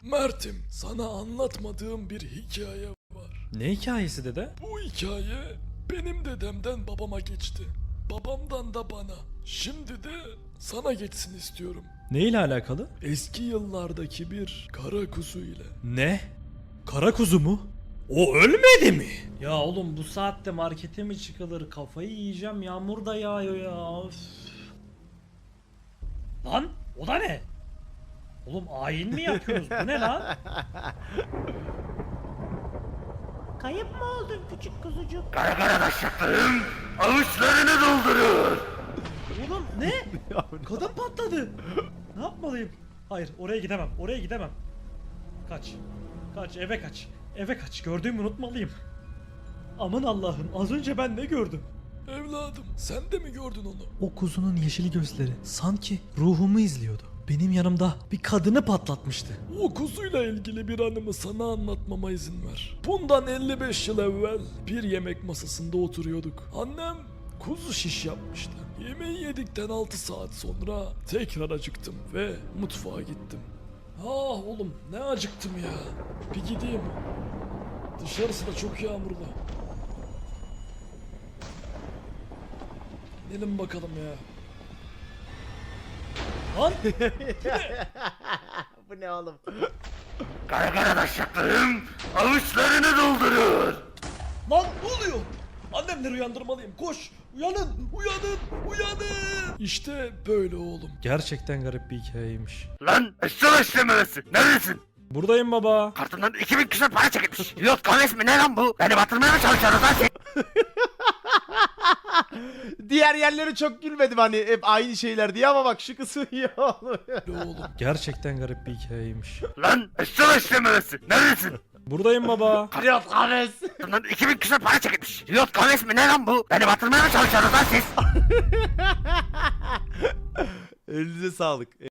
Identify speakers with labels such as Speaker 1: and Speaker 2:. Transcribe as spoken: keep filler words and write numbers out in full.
Speaker 1: Mert'im, sana anlatmadığım bir hikaye var.
Speaker 2: Ne hikayesi dede?
Speaker 1: Bu hikaye benim dedemden babama geçti. Babamdan da bana. Şimdi de sana geçsin istiyorum.
Speaker 2: Ne ile alakalı?
Speaker 1: Eski yıllardaki bir kara kuzu ile.
Speaker 2: Ne? Kara kuzu mu? O ölmedi mi? Ya oğlum bu saatte markete mi çıkılır? Kafayı yiyeceğim, yağmur da yağıyor ya. Üf. Lan o da ne? Oğlum ayin mi yapıyoruz? Bu ne lan?
Speaker 3: Kayıp mı oldun küçük kuzucuk?
Speaker 4: Arkadaşlarım avuçlarını dolduruyor.
Speaker 2: Oğlum ne? Kadın patladı. Ne yapmalıyım? Hayır oraya gidemem. Oraya gidemem. Kaç. Kaç eve kaç. Eve kaç. Gördüğümü unutmalıyım. Aman Allah'ım az önce ben ne gördüm?
Speaker 1: Evladım, sen de mi gördün onu?
Speaker 2: O kuzunun yeşil gözleri sanki ruhumu izliyordu. Benim yanımda bir kadını patlatmıştı.
Speaker 1: O kuzuyla ilgili bir anımı sana anlatmama izin ver. Bundan elli beş yıl evvel bir yemek masasında oturuyorduk. Annem kuzu şiş yapmıştı. Yemeği yedikten altı saat sonra tekrar acıktım ve mutfağa gittim. Ah oğlum ne acıktım ya. Bir gideyim. Dışarısı da çok yağmurlu. Gidelim bakalım ya. Lan
Speaker 3: Bu ne oğlum?
Speaker 4: Arkadaşlarım avuçlarını dolduruyor.
Speaker 1: Lan ne oluyor? Annemleri uyandırmalıyım. Koş. Uyanın. Uyanın. Uyanın. İşte böyle oğlum.
Speaker 2: Gerçekten garip bir hikayeymiş.
Speaker 4: Lan eşşoğlu işlememesi. Neredesin?
Speaker 2: Buradayım baba.
Speaker 4: Kartından iki bin küsur para çekilmiş. Pilot kahvesi mi ne lan bu? Beni batırmaya mı çalışıyorsunuz lan siz?
Speaker 3: Diğer yerleri çok gülmedim hani hep aynı şeyler diye ama bak şu kısmı iyi oğlum.
Speaker 1: Böyle oğlum.
Speaker 2: Gerçekten garip bir hikayeymiş.
Speaker 4: Lan eşşoğlu işlememesi. Neredesin?
Speaker 2: Buradayım baba.
Speaker 3: Pilot kahvesi.
Speaker 4: Kartından iki bin küsur para çekilmiş. Pilot kahvesi mi ne lan bu? Beni batırmaya mı çalışıyorsunuz lan siz?
Speaker 3: Elinize sağlık.